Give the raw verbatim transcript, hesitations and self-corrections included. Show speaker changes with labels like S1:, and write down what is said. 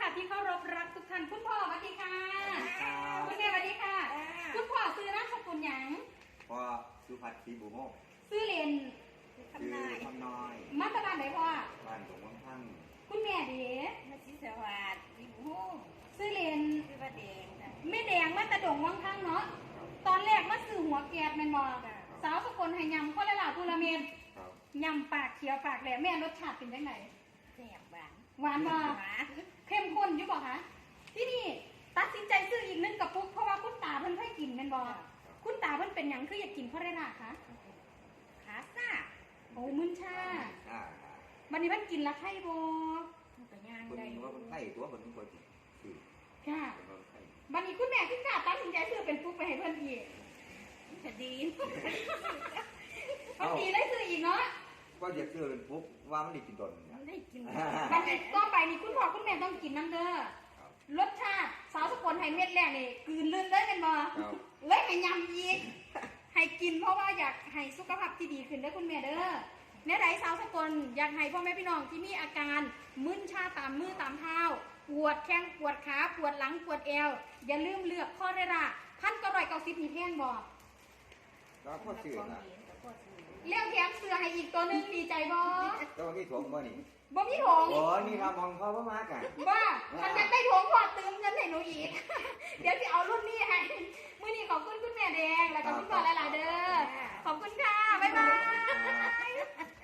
S1: ที่เคารพรักทุกท่านคุณพ่อสวัสดีค่ะคุณแม่สวัสดีค่ะคุณพ่อซื้อนามสกุลหยัง
S2: พ่อสุภัทรศรีบุโมก
S1: ซื้อเรียน
S2: ชื่อคำน้อย
S1: มาตรบ้านไหนพ่อ
S2: บ้านหลวงวังพัง
S1: คุณแม่ดี
S3: มาชิสวัสดิ์ศรีบุโมก
S1: ซื้อเรียน
S3: ซื้อประเดง
S1: แม่แดงมาตะดงวังพังเนาะตอนแรกมาซื้อหัวแกดแมนบอสาวสกลให้ยำข้อละลาพูละเมนยำปากเขียวปากแหลมแม่รสชาติเป็นยังไง
S3: แซ่บหวาน
S1: หวานบ่เข้มข้นอยู่บ่คะที่นี่ตัดสินใจซื้ออีกนึงกับปุ๊กเพราะว่าคุณตาเพิ่นให้กินแม่นบ่คุณตาเพิ่นเป็นหยังคืออยากกินข้อละลาคะ
S3: ขาซ่า
S1: โอ้มึนชาวันนี้เพิ่นกินละไข่บ่
S3: มันก็ย่าง
S2: ได้ว่าคนไข้ตัวคนทุกคนคือ
S1: ค่ะวันนี้คุณแม่คุณตาตัดสินใจซื้อเป็นปุ๊กไปให้เพิ่นอีก
S3: จะดี
S1: พอดีได้ซื้ออีกเนาะ
S2: ก็อยากซื้อเป็นปุ๊บว่ามันได้กินตน
S3: มันได้กิน
S1: วันนี้ก็ไปนี่คุณพ่อคุณแม่ต้องกินน้ำเด้อรสชาติสาวสกลไฮเม็ดแรกนี่กลืนลื่นเลยกันบ่เลยให้ยำอีกให้กินเพราะว่าอยากให้สุขภาพที่ดีขึ้นได้คุณแม่เด้อเนี่ยไหนสาวสกลอยากให้พ่อแม่พี่น้องที่มีอาการมึนชาตามมือตามเท้าปวดแข้งปวดขาปวดหลังปวดเอวอย่าลืมเลือกข้อเรราพันก็ร่อยเกาซิบมีแพงบ่
S2: ก็พ่อซื้อนะ
S1: เลี้ยงแถมเสือให้อีกตัวนึงดีใจบ่
S2: ตัวนี้ถงบ่นี่
S1: บ่มีถง
S2: โอ้นี่ทำมองเขาบ่มากอ่ะ
S1: ว่าถ้าอยากได้ถงพอเติมเงินให้หนูอีกเดี๋ยวจะเอารุ่นนี้ให้มื้อนี้ขอบคุณคุณแม่แดงแล้วก็คุณพ่อหลายๆเด้อขอบคุณค่ะบ๊ายบาย